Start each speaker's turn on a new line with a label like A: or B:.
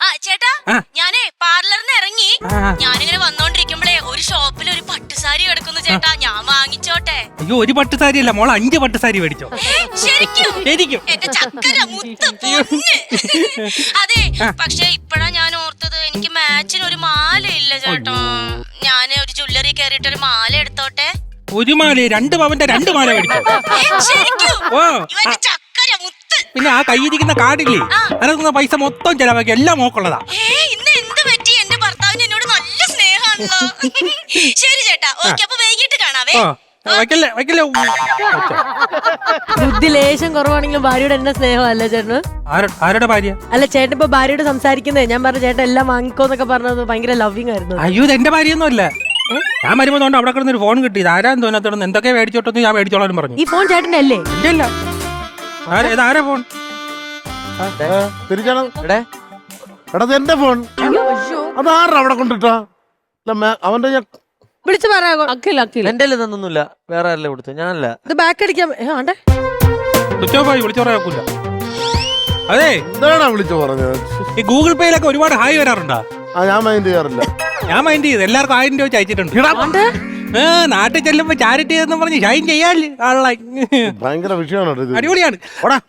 A: ചേട്ടാ ഞാനേ പാർലറിന് ഇറങ്ങി ഞാനിങ്ങനെ വന്നോണ്ടിരിക്കുമ്പോഴേ ഒരു ഷോപ്പിൽ ഒരു പട്ടുസാരി കിടക്കുന്നു ചേട്ടാ, ഞാൻ വാങ്ങിച്ചോട്ടെ?
B: അയ്യോ, ഒരു പട്ടുസാരി അല്ല മോൾ, 5 പട്ടുസാരി മേടിച്ചോ.
A: ശരിക്കും?
B: ശരിക്കും
A: എന്റെ ചക്കര മുത്ത് പൊന്ന്. അതെ, പക്ഷെ ഇപ്പഴാ ഞാൻ ഓർത്തത്, എനിക്ക് മാച്ചിന് ഒരു മാല ഇല്ല ചേട്ടാ. ഞാൻ ഒരു ജ്വല്ലറി കയറിയിട്ട് ഒരു മാല എടുത്തോട്ടെ?
B: ഒരു മാല 2 പവന്റെ 2 മാല മേടിച്ചോ.
A: ശരിക്കും?
B: ഓ,
A: ഇവന്റെ ചക്കര മുത്ത്.
B: പിന്നെ ആ കയ്യിരിക്കുന്ന കാർഡില്ലേ, അതിനകത്തുന്ന പൈസ മൊത്തം ചെലവാക്കി, എല്ലാം മോക്കുള്ളതാ.
A: ഇന്ന് എന്ത് പറ്റി? എന്റെ ഭർത്താവിന് എന്നോട് നല്ല സ്നേഹമാണല്ലോ. ശരി ചേട്ടാ, ഓക്കെ, അപ്പൊ വൈകിട്ട് കാണാവേ.
B: വയ്ക്കല്ലേ വയ്ക്കല്ലേ.
C: ബുദ്ധി ലേശം കുറവാണെങ്കിലും ഭാര്യയോട് എന്നെ സ്നേഹമല്ല ചേട്ടന്.
B: ആരുടെ ഭാര്യ?
C: അല്ല, ചേട്ടൻ ഇപ്പൊ ഭാര്യയോട് സംസാരിക്കുന്നേ, ഞാൻ പറഞ്ഞു ചേട്ടൻ എല്ലാം വാങ്ങിക്കോന്നൊക്കെ പറഞ്ഞത് ഭയങ്കര ലവിങ് ആയിരുന്നു.
B: അയ്യോ, ഇത് എന്റെ ഭാര്യയൊന്നും അല്ല. ഞാൻ വരുമ്പോ അവിടെ കിടന്ന് ഒരു ഫോൺ കിട്ടി, ആരാന്ന് തോന്നാത്തോണ്ട് എന്തൊക്കെ മേടിച്ചോട്ടെന്ന് ഞാൻ മേടിച്ചോളാനും പറഞ്ഞു.
C: ഈ ഫോൺ ചേട്ടന്റെ അല്ലേ?
B: ഇല്ല, ആരാ ഫോൺ?
D: തിരിച്ചാണ് എടാ, എന്റെ ഫോൺ. അതാരാ അവിടെ കൊണ്ടിട്ടാ? അവന്റെ
C: വിളിച്ചു പറയാ.
E: എന്റെ തന്നൊന്നുമില്ല, വേറെ ആരല്ലേ കൊടുത്തു, ഞാനല്ല.
C: ഇത് ബാക്ക് അടിക്കാൻ ആണ്ടേ
B: സ്വിച്ച് ഓഫ് ആയി, വിളിച്ചു പറയാക്കൂല. അതെ,
D: എന്താണാ വിളിച്ചു പറഞ്ഞത്?
B: ഈ ഗൂഗിൾ പേയിലൊക്കെ ഒരുപാട് ഹായ് വരാറുണ്ടോ?
D: ഞാൻ മൈൻഡ് ചെയ്യാറില്ല.
B: ഞാൻ മൈൻഡ് ചെയ്ത് എല്ലാവർക്കും 1000 രൂപ അയച്ചിട്ടുണ്ട്. നാട്ടിൽ ചെല്ലുമ്പോ ചാരിറ്റി എന്ന് പറഞ്ഞ് ഷൈൻ ചെയ്യാല്ലേ.
D: ഭയങ്കര വിഷയമാണ് ഇത്.
B: അടിപൊളിയാണ്.